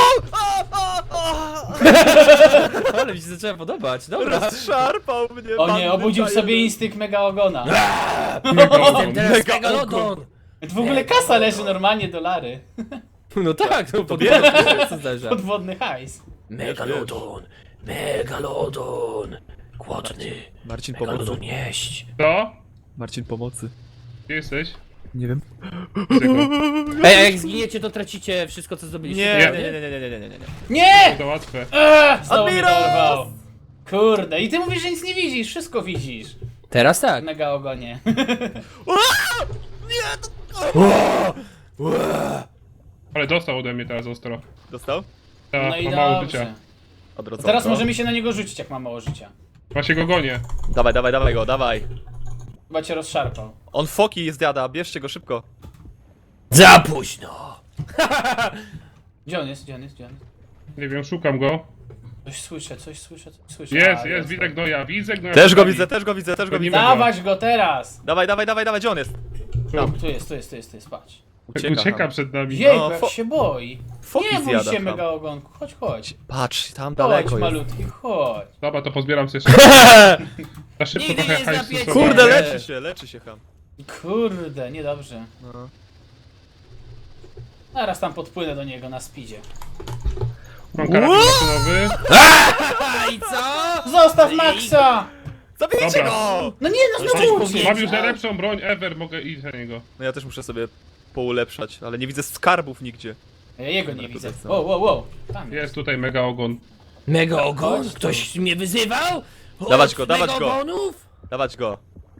[SPEAKER 2] Ale mi się zaczęła podobać, dobra.
[SPEAKER 3] Rozszarpał mnie.
[SPEAKER 1] O nie,
[SPEAKER 3] bandyta
[SPEAKER 1] obudził sobie
[SPEAKER 3] jeden.
[SPEAKER 1] instynkt megaogona.
[SPEAKER 2] Jestem teraz
[SPEAKER 3] Mega
[SPEAKER 2] megalodon!
[SPEAKER 1] W ogóle kasa leży normalnie, dolary.
[SPEAKER 2] No tak, no
[SPEAKER 3] bierz.
[SPEAKER 2] podwodny, co zdarza.
[SPEAKER 1] Podwodny hajs.
[SPEAKER 2] Megalodon, megalodon, głodny,
[SPEAKER 3] Marcin, pomocy.
[SPEAKER 2] megalodon jeść.
[SPEAKER 4] Co?
[SPEAKER 3] Marcin, pomocy.
[SPEAKER 4] Gdzie jesteś?
[SPEAKER 3] Nie wiem.
[SPEAKER 4] Widzę go.
[SPEAKER 2] Ej, a jak zginiecie, to tracicie wszystko, co zdobyliście.
[SPEAKER 3] Nie,
[SPEAKER 4] Nie.
[SPEAKER 3] nie, nie, nie, nie, nie, nie, nie, nie.
[SPEAKER 1] Nie!
[SPEAKER 4] To łatwe.
[SPEAKER 1] Eee, znowu mnie
[SPEAKER 3] Admiros!
[SPEAKER 1] dorwał. Kurde, i ty mówisz, że nic nie widzisz, wszystko widzisz.
[SPEAKER 2] Teraz tak.
[SPEAKER 1] Megaogonie.
[SPEAKER 4] Ale dostał ode mnie teraz ostro.
[SPEAKER 3] Dostał?
[SPEAKER 4] Ta,
[SPEAKER 1] No i
[SPEAKER 4] ma mało
[SPEAKER 1] dobrze.
[SPEAKER 4] życia.
[SPEAKER 3] Odrodzonko.
[SPEAKER 1] Teraz możemy się na niego rzucić, jak ma mało życia.
[SPEAKER 4] Właśnie go gonię.
[SPEAKER 3] Dawaj, dawaj, dawaj go, dawaj.
[SPEAKER 1] Chyba cię rozszarpał.
[SPEAKER 3] On foki zjada, bierzcie go szybko.
[SPEAKER 2] Za późno.
[SPEAKER 1] Gdzie on jest, gdzie on jest, gdzie on jest?
[SPEAKER 4] Nie wiem, szukam go.
[SPEAKER 1] Coś słyszę, coś słyszę, coś słyszę.
[SPEAKER 4] Jest,
[SPEAKER 1] A,
[SPEAKER 4] jest, widzę gnoja, widzę gnoja.
[SPEAKER 3] Też go
[SPEAKER 4] przed
[SPEAKER 3] widzę,
[SPEAKER 4] nami.
[SPEAKER 3] też go widzę, też go
[SPEAKER 4] Gonimy
[SPEAKER 3] widzę.
[SPEAKER 4] go.
[SPEAKER 1] Dawać go teraz!
[SPEAKER 3] Dawaj, dawaj, dawaj, dawaj, gdzie on jest?
[SPEAKER 1] Tam, tu jest, tu jest, tu jest, tu jest, patrz.
[SPEAKER 4] Jak ucieka przed nami.
[SPEAKER 1] Jejku,
[SPEAKER 3] No,
[SPEAKER 1] jak
[SPEAKER 3] fo-
[SPEAKER 1] się boi.
[SPEAKER 3] Foki
[SPEAKER 1] Nie bój
[SPEAKER 3] zjada
[SPEAKER 1] się,
[SPEAKER 3] tam.
[SPEAKER 1] megaogonku, chodź, chodź.
[SPEAKER 3] Patrz, tam
[SPEAKER 1] Chodź,
[SPEAKER 3] daleko jest.
[SPEAKER 1] malutki, chodź.
[SPEAKER 4] Dobra, to pozbieram sobie szybko. Na szybko
[SPEAKER 2] Nigdy
[SPEAKER 4] trochę
[SPEAKER 2] nie
[SPEAKER 4] hajsu
[SPEAKER 2] złapiecie.
[SPEAKER 4] sobie.
[SPEAKER 3] Kurde,
[SPEAKER 2] Nie.
[SPEAKER 3] leczy się, leczy się ham.
[SPEAKER 1] Kurde, niedobrze.
[SPEAKER 3] No.
[SPEAKER 1] Zaraz tam podpłynę do niego na speedzie.
[SPEAKER 4] Mam karabin maszynowy.
[SPEAKER 2] A i co?
[SPEAKER 1] Zostaw Maxa!
[SPEAKER 3] Zabijcie
[SPEAKER 4] Dobra.
[SPEAKER 3] go!
[SPEAKER 1] No nie, no
[SPEAKER 2] Coś
[SPEAKER 1] znowu
[SPEAKER 2] powiedział.
[SPEAKER 4] Mam już
[SPEAKER 1] uciekł.
[SPEAKER 4] najlepszą broń ever, mogę iść za niego.
[SPEAKER 3] No ja też muszę sobie poulepszać, ale nie widzę skarbów nigdzie.
[SPEAKER 1] Ja jego nie
[SPEAKER 3] Dobra,
[SPEAKER 1] widzę.
[SPEAKER 3] to co?
[SPEAKER 1] Wow, wow, wow. Tam
[SPEAKER 4] Jest tutaj mega ogon.
[SPEAKER 2] Mega ogon?
[SPEAKER 1] Chodź tu.
[SPEAKER 2] Ktoś mnie wyzywał? Od
[SPEAKER 3] Dawać go, dawać go.
[SPEAKER 2] megaogonów?
[SPEAKER 3] Dawać go.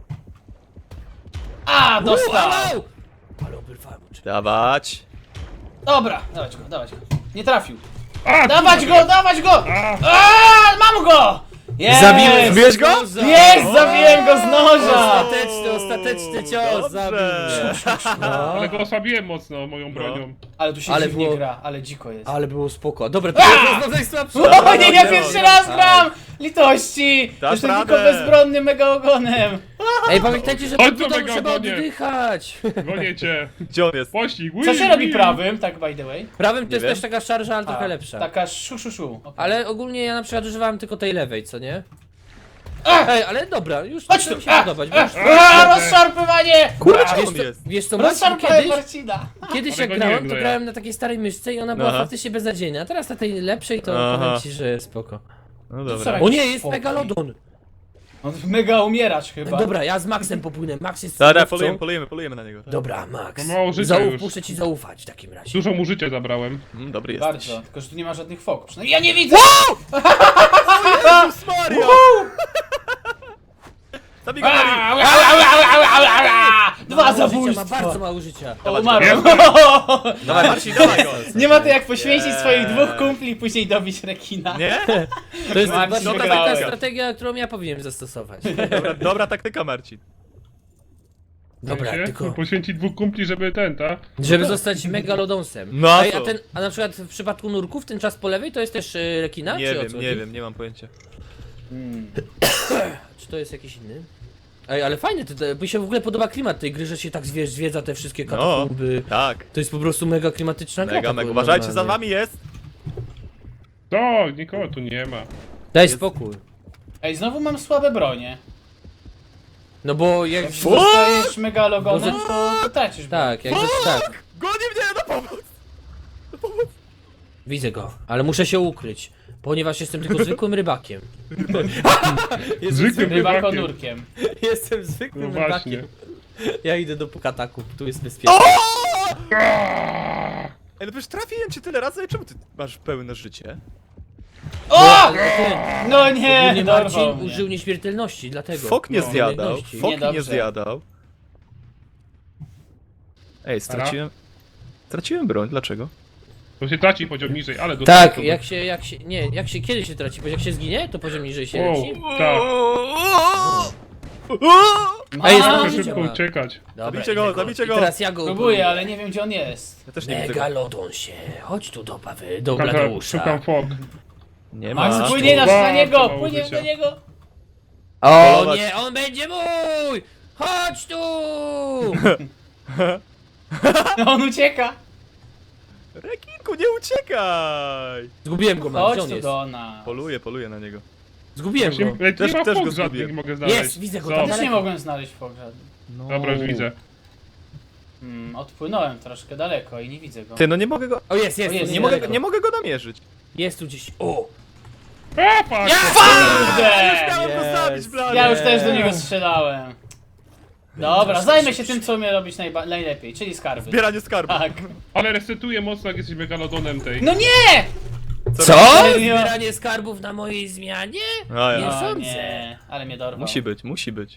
[SPEAKER 1] A,
[SPEAKER 2] Au,
[SPEAKER 1] dostał!
[SPEAKER 2] au! Ale oberwałem oczy.
[SPEAKER 3] Dawać.
[SPEAKER 1] Dobra, dawać go, dawać go. Nie trafił.
[SPEAKER 4] A,
[SPEAKER 1] Dawać go, dawać go!
[SPEAKER 4] A,
[SPEAKER 1] A, mam go! Jest!
[SPEAKER 3] Zabiłeś- Zbijesz go?
[SPEAKER 1] Jest, zabiłem go z noża!
[SPEAKER 2] Ostateczny, ostateczny cios zabił
[SPEAKER 3] Dobrze.
[SPEAKER 2] mnie. No.
[SPEAKER 4] ale go osłabiłem mocno moją bronią.
[SPEAKER 1] Ale tu się
[SPEAKER 2] Ale
[SPEAKER 1] dziwnie
[SPEAKER 2] było-
[SPEAKER 1] gra, ale dziko jest.
[SPEAKER 2] Ale było spoko. Dobra, to jest najsłabsze.
[SPEAKER 1] O nie, ja
[SPEAKER 3] nie,
[SPEAKER 1] pierwszy
[SPEAKER 3] nie,
[SPEAKER 1] raz
[SPEAKER 2] tak.
[SPEAKER 1] gram! Litości!
[SPEAKER 3] Dasz
[SPEAKER 1] Jestem
[SPEAKER 3] radę.
[SPEAKER 1] tylko bezbronnym mega ogonem.
[SPEAKER 2] Ej, pamiętajcie, że
[SPEAKER 4] Chodź
[SPEAKER 2] tu
[SPEAKER 4] tu,
[SPEAKER 2] tam
[SPEAKER 4] mega
[SPEAKER 2] trzeba
[SPEAKER 4] ogonie.
[SPEAKER 2] oddychać.
[SPEAKER 4] Gonię cię.
[SPEAKER 3] Gdzie on jest?
[SPEAKER 4] Pościg,
[SPEAKER 1] Co
[SPEAKER 4] wii,
[SPEAKER 1] się robi
[SPEAKER 4] wii.
[SPEAKER 1] prawym, tak by the way?
[SPEAKER 2] Prawym to
[SPEAKER 3] Nie
[SPEAKER 2] jest
[SPEAKER 3] wiem.
[SPEAKER 2] też taka szarża, ale trochę
[SPEAKER 1] A,
[SPEAKER 2] lepsza.
[SPEAKER 1] Taka szu, szu, szu. Okay.
[SPEAKER 2] Ale ogólnie ja na przykład używałem tylko tej lewej, co nie?
[SPEAKER 1] A!
[SPEAKER 2] Ej, ale dobra, już
[SPEAKER 1] Chodź
[SPEAKER 2] to
[SPEAKER 1] tu!
[SPEAKER 2] mi się
[SPEAKER 1] A,
[SPEAKER 2] podobać.
[SPEAKER 1] a,
[SPEAKER 2] Wiesz,
[SPEAKER 1] a, rozszarpywanie!
[SPEAKER 3] Kurde,
[SPEAKER 1] A,
[SPEAKER 3] gdzie
[SPEAKER 2] wiesz,
[SPEAKER 3] on
[SPEAKER 2] co,
[SPEAKER 3] jest?
[SPEAKER 2] wiesz co, Marcin,
[SPEAKER 1] Rozszarpywanie
[SPEAKER 2] kiedyś,
[SPEAKER 1] Marcina.
[SPEAKER 2] kiedyś
[SPEAKER 4] Ale
[SPEAKER 2] jak
[SPEAKER 4] go nie
[SPEAKER 2] grałem,
[SPEAKER 4] wiem,
[SPEAKER 2] to
[SPEAKER 4] no ja.
[SPEAKER 2] grałem na takiej starej myszce i ona była
[SPEAKER 3] Aha.
[SPEAKER 2] faktycznie beznadziejna. A teraz na tej lepszej to
[SPEAKER 3] Aha.
[SPEAKER 2] powiem ci, że spoko.
[SPEAKER 3] No
[SPEAKER 1] Co
[SPEAKER 3] dobra.
[SPEAKER 1] robi?
[SPEAKER 2] O nie, jest
[SPEAKER 1] Spokój.
[SPEAKER 2] Megalodon!
[SPEAKER 1] On mega umierasz chyba.
[SPEAKER 2] Dobra, ja z Maxem popłynę. Max jest
[SPEAKER 3] Dobra,
[SPEAKER 2] cudowcą.
[SPEAKER 3] polujemy, polujemy, polujemy na niego.
[SPEAKER 2] Dobra, Max.
[SPEAKER 4] Ma mało życia
[SPEAKER 2] Zauf,
[SPEAKER 4] już.
[SPEAKER 2] muszę ci zaufać w takim razie.
[SPEAKER 4] Dużo mu życia zabrałem.
[SPEAKER 3] Mm, dobry jesteś.
[SPEAKER 1] Bardzo, tylko że tu nie ma żadnych foków. No ja nie widzę!
[SPEAKER 3] Jezus Maria! Zabij go,
[SPEAKER 1] Au,
[SPEAKER 3] Mari!
[SPEAKER 1] au, au, au, au, au, au. Dwa
[SPEAKER 2] Mało życia, ma
[SPEAKER 1] zabójstwa!
[SPEAKER 2] bardzo mało życia.
[SPEAKER 1] O, umarłem.
[SPEAKER 3] Dawaj, Marcin, dawaj go!
[SPEAKER 1] Nie ma to jak poświęcić
[SPEAKER 3] Nie.
[SPEAKER 1] swoich dwóch kumpli i później dobić rekina.
[SPEAKER 3] Nie?
[SPEAKER 2] To jest
[SPEAKER 1] Marcin,
[SPEAKER 2] właśnie taka
[SPEAKER 1] wygrałem.
[SPEAKER 2] strategia, którą ja powinienem zastosować.
[SPEAKER 3] Dobra, dobra taktyka, Marcin.
[SPEAKER 2] Dobra,
[SPEAKER 4] Się?
[SPEAKER 2] tylko...
[SPEAKER 4] Poświęcić dwóch kumpli, żeby ten, ta?
[SPEAKER 2] Żeby zostać megalodonsem.
[SPEAKER 3] No a
[SPEAKER 2] Ej, a
[SPEAKER 3] co?
[SPEAKER 2] ten, a na przykład w przypadku nurków ten czas po lewej to jest też y, rekina?
[SPEAKER 3] Nie
[SPEAKER 2] czy o
[SPEAKER 3] wiem,
[SPEAKER 2] co
[SPEAKER 3] nie
[SPEAKER 2] chodzi?
[SPEAKER 3] wiem, nie mam pojęcia.
[SPEAKER 1] Hmm.
[SPEAKER 2] Czy to jest jakiś inny? Ej, ale fajny, to, to, mi się w ogóle podoba klimat tej gry, że się tak zwie, zwiedza te wszystkie katakumby.
[SPEAKER 3] Tak.
[SPEAKER 2] To jest po prostu mega klimatyczna gra.
[SPEAKER 3] Mega,
[SPEAKER 2] tak
[SPEAKER 3] mega.
[SPEAKER 2] normalnie.
[SPEAKER 3] Uważajcie, za wami jest.
[SPEAKER 4] To, nikogo tu nie ma.
[SPEAKER 2] Daj spokój.
[SPEAKER 1] Ej, znowu mam słabe bronie.
[SPEAKER 2] No bo jak...
[SPEAKER 1] Jak zostajesz megalogonem, to, to tracisz broń.
[SPEAKER 2] Tak, jak tak.
[SPEAKER 3] Goni mnie na pomoc!
[SPEAKER 2] Widzę go, ale muszę się ukryć, ponieważ jestem tylko zwykłym rybakiem.
[SPEAKER 4] Zwykłym rybakiem.
[SPEAKER 1] Rybakonurkiem.
[SPEAKER 2] Jestem
[SPEAKER 4] No
[SPEAKER 2] zwykłym
[SPEAKER 4] właśnie.
[SPEAKER 2] rybakiem. Ja idę do katakumb, tu jest bezpiecznie.
[SPEAKER 4] Aaaa!
[SPEAKER 3] Ej, no przecież trafiłem cię tyle razy, czemu ty masz pełne życie?
[SPEAKER 1] O!
[SPEAKER 2] Ale ty,
[SPEAKER 1] No nie,
[SPEAKER 2] ogólnie
[SPEAKER 1] dorwał
[SPEAKER 2] Marcin
[SPEAKER 1] mnie.
[SPEAKER 2] użył nieśmiertelności, dlatego.
[SPEAKER 3] Fok nie
[SPEAKER 4] No.
[SPEAKER 3] zjadał,
[SPEAKER 2] Umiejętności.
[SPEAKER 3] fok nie
[SPEAKER 1] Niedobrze.
[SPEAKER 3] zjadał. Ej, straciłem... Straciłem broń, dlaczego?
[SPEAKER 4] To się traci poziom niżej, ale do
[SPEAKER 2] Tak, jak się, jak się, nie, jak się, kiedy się traci, bo jak się zginie, to poziom niżej się
[SPEAKER 4] Wow,
[SPEAKER 2] leci.
[SPEAKER 4] tak.
[SPEAKER 2] Ej,
[SPEAKER 1] A,
[SPEAKER 2] znowu
[SPEAKER 4] Muszę
[SPEAKER 2] życie
[SPEAKER 4] szybko
[SPEAKER 2] ma.
[SPEAKER 4] uciekać.
[SPEAKER 2] Dobra,
[SPEAKER 3] Zabijcie
[SPEAKER 2] idę
[SPEAKER 3] go, zabijcie
[SPEAKER 2] I
[SPEAKER 3] go.
[SPEAKER 2] teraz ja go
[SPEAKER 1] Próbuję, ale nie wiem gdzie on jest.
[SPEAKER 3] Ja też nie widzę go.
[SPEAKER 2] Megalodon się, chodź tu do Pawy, do
[SPEAKER 4] Szukam,
[SPEAKER 2] Bladeusza.
[SPEAKER 4] szukam fok.
[SPEAKER 3] Nie
[SPEAKER 1] Max,
[SPEAKER 3] ma.
[SPEAKER 1] płynie na, na
[SPEAKER 4] Bardzo
[SPEAKER 1] niego,
[SPEAKER 4] mało
[SPEAKER 1] płynie
[SPEAKER 4] życia.
[SPEAKER 1] na niego.
[SPEAKER 2] O
[SPEAKER 3] Polować.
[SPEAKER 2] nie, on będzie mój! Chodź tu!
[SPEAKER 1] On ucieka.
[SPEAKER 3] Rekinku, nie uciekaj!
[SPEAKER 2] Zgubiłem go, man,
[SPEAKER 1] Chodź
[SPEAKER 2] gdzie on
[SPEAKER 1] tu
[SPEAKER 2] jest?
[SPEAKER 1] do nas.
[SPEAKER 3] Poluję, poluję na niego.
[SPEAKER 2] Zgubiłem go.
[SPEAKER 4] Właśnie, ej,
[SPEAKER 3] Też-
[SPEAKER 4] nie ma
[SPEAKER 3] też
[SPEAKER 4] fok
[SPEAKER 3] go
[SPEAKER 4] żadnych,
[SPEAKER 3] zgubiłem.
[SPEAKER 4] nie mogę znaleźć.
[SPEAKER 2] Jest, widzę go
[SPEAKER 4] Co?
[SPEAKER 2] tam.
[SPEAKER 1] Też nie
[SPEAKER 2] Daleko.
[SPEAKER 1] mogłem znaleźć pogrzeb.
[SPEAKER 3] No.
[SPEAKER 4] Dobra, już widzę.
[SPEAKER 1] Hmm, odpłynąłem troszkę daleko i nie widzę go.
[SPEAKER 3] Ty, no nie mogę go...
[SPEAKER 2] O jest, jest,
[SPEAKER 1] O, jest,
[SPEAKER 2] tu
[SPEAKER 3] Nie mogę,
[SPEAKER 2] niedaleko.
[SPEAKER 3] nie mogę go namierzyć.
[SPEAKER 2] Jest tu gdzieś. O!
[SPEAKER 4] A, fuck!
[SPEAKER 1] Kurde!
[SPEAKER 3] Chciałem go
[SPEAKER 2] Jest.
[SPEAKER 3] zabić, blady.
[SPEAKER 1] Ja już też do niego strzelałem. Dobra, zajmę się tym co umie robić najba- najlepiej, czyli skarby.
[SPEAKER 3] Zbieranie skarbu.
[SPEAKER 1] Tak.
[SPEAKER 4] Ale resetuje mocno, jak jesteś megalodonem tej.
[SPEAKER 1] No nie!
[SPEAKER 2] Co?
[SPEAKER 1] robisz?
[SPEAKER 2] Zbieranie skarbów na mojej zmianie?
[SPEAKER 3] A
[SPEAKER 2] Nie
[SPEAKER 3] ja.
[SPEAKER 1] O
[SPEAKER 2] sądzę.
[SPEAKER 1] nie, ale mnie dorwał.
[SPEAKER 3] Musi być, musi być.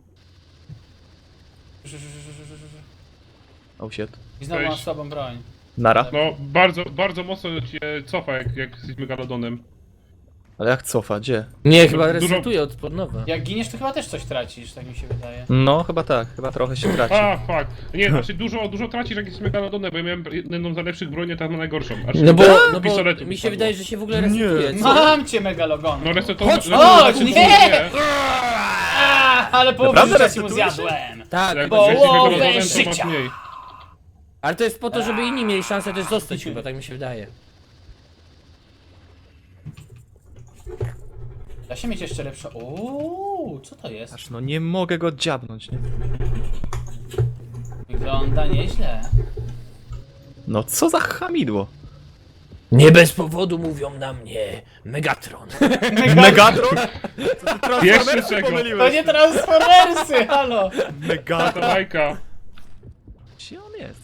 [SPEAKER 3] Oh shit.
[SPEAKER 1] I znowu mam
[SPEAKER 4] Cześć.
[SPEAKER 1] słabą broń.
[SPEAKER 3] Nara.
[SPEAKER 4] No, bardzo, bardzo mocno cię cofa, jak, jak jesteś megalodonem.
[SPEAKER 3] Ale jak cofa, gdzie?
[SPEAKER 2] Nie, chyba
[SPEAKER 4] Dużo-
[SPEAKER 2] resetuję od pod nowa.
[SPEAKER 1] Jak giniesz, to chyba też coś tracisz, tak mi się wydaje.
[SPEAKER 3] No, chyba tak, chyba trochę się traci.
[SPEAKER 4] A, fuck. Nie, znaczy dużo, dużo tracisz, jak jesteś megalodonem, bo ja miałem jedną z najlepszych broni, a ta ma najgorszą. Znaczy,
[SPEAKER 2] No bo, no bo
[SPEAKER 4] pistoletu
[SPEAKER 2] mi się
[SPEAKER 4] wypadło.
[SPEAKER 2] wydaje, że się w ogóle
[SPEAKER 3] Nie.
[SPEAKER 2] resetuje. Co?
[SPEAKER 1] Mam cię megalogon.
[SPEAKER 4] No resetował.
[SPEAKER 2] Chodź,
[SPEAKER 1] chodź, nie! Ale połowę
[SPEAKER 3] Naprawdę
[SPEAKER 1] życia mu
[SPEAKER 3] resetuje się?
[SPEAKER 1] zjadłem.
[SPEAKER 2] Tak,
[SPEAKER 4] Jak
[SPEAKER 1] Bo-
[SPEAKER 4] jesteś
[SPEAKER 1] Połowę
[SPEAKER 4] megalodonem, to masz
[SPEAKER 1] życia.
[SPEAKER 4] mniej.
[SPEAKER 2] ale to jest po to, żeby inni mieli szansę też zostać chyba, tak mi się wydaje.
[SPEAKER 1] Da się mieć jeszcze lepsze. Uuu, co to jest?
[SPEAKER 3] Aż no nie mogę go dziabnąć, nie?
[SPEAKER 1] Wygląda nieźle.
[SPEAKER 3] No co za hamidło.
[SPEAKER 2] Nie bez powodu mówią na mnie Megatron.
[SPEAKER 3] Megatron? Co ty
[SPEAKER 4] Jeszcze
[SPEAKER 3] Transformersy
[SPEAKER 4] czego?
[SPEAKER 3] pomyliłeś?
[SPEAKER 1] To nie Transformersy, halo!
[SPEAKER 4] Ta
[SPEAKER 3] Megatron?
[SPEAKER 4] bajka.
[SPEAKER 3] Gdzie on jest?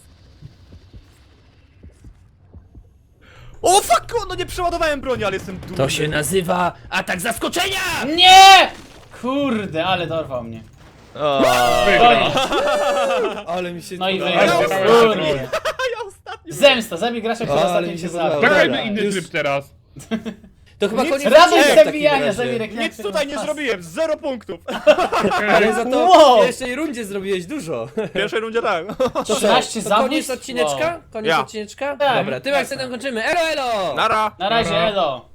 [SPEAKER 3] O fuck! No nie przeładowałem broni, ale jestem dumny.
[SPEAKER 2] To się nazywa atak zaskoczenia!
[SPEAKER 1] Nie! Kurde, ale dorwał mnie.
[SPEAKER 3] O,
[SPEAKER 4] Wygrał.
[SPEAKER 1] Koniec.
[SPEAKER 5] Ale mi się
[SPEAKER 1] No i
[SPEAKER 5] podobało.
[SPEAKER 1] wygrał.
[SPEAKER 4] Ale-
[SPEAKER 1] Kurde.
[SPEAKER 3] ja ostatni.
[SPEAKER 1] Zemsta, zabij gracza, który
[SPEAKER 5] Ale
[SPEAKER 1] ostatnio
[SPEAKER 5] mi
[SPEAKER 1] cię
[SPEAKER 5] się
[SPEAKER 1] zabił.
[SPEAKER 5] podobało.
[SPEAKER 4] Zagrajmy
[SPEAKER 5] Dobra,
[SPEAKER 4] inny
[SPEAKER 5] już-
[SPEAKER 4] tryb teraz.
[SPEAKER 5] To chyba
[SPEAKER 3] Nic-
[SPEAKER 5] koniec
[SPEAKER 1] Radość
[SPEAKER 5] odcinka w takim
[SPEAKER 1] zabijania,
[SPEAKER 5] razie.
[SPEAKER 1] zabij reklamy.
[SPEAKER 3] Nic tutaj nie zrobiłem, zero punktów.
[SPEAKER 5] Ale za to
[SPEAKER 1] Wow.
[SPEAKER 5] w pierwszej rundzie zrobiłeś dużo.
[SPEAKER 3] W pierwszej rundzie tak.
[SPEAKER 5] To co?
[SPEAKER 1] trzynaście
[SPEAKER 5] To
[SPEAKER 1] zabójstw?
[SPEAKER 5] koniec odcineczka? Koniec
[SPEAKER 3] Ja.
[SPEAKER 5] odcineczka?
[SPEAKER 1] Tak.
[SPEAKER 5] Dobra, tym akcentem kończymy. Elo, elo!
[SPEAKER 3] Nara.
[SPEAKER 1] Na razie,
[SPEAKER 4] Dobra.
[SPEAKER 1] elo.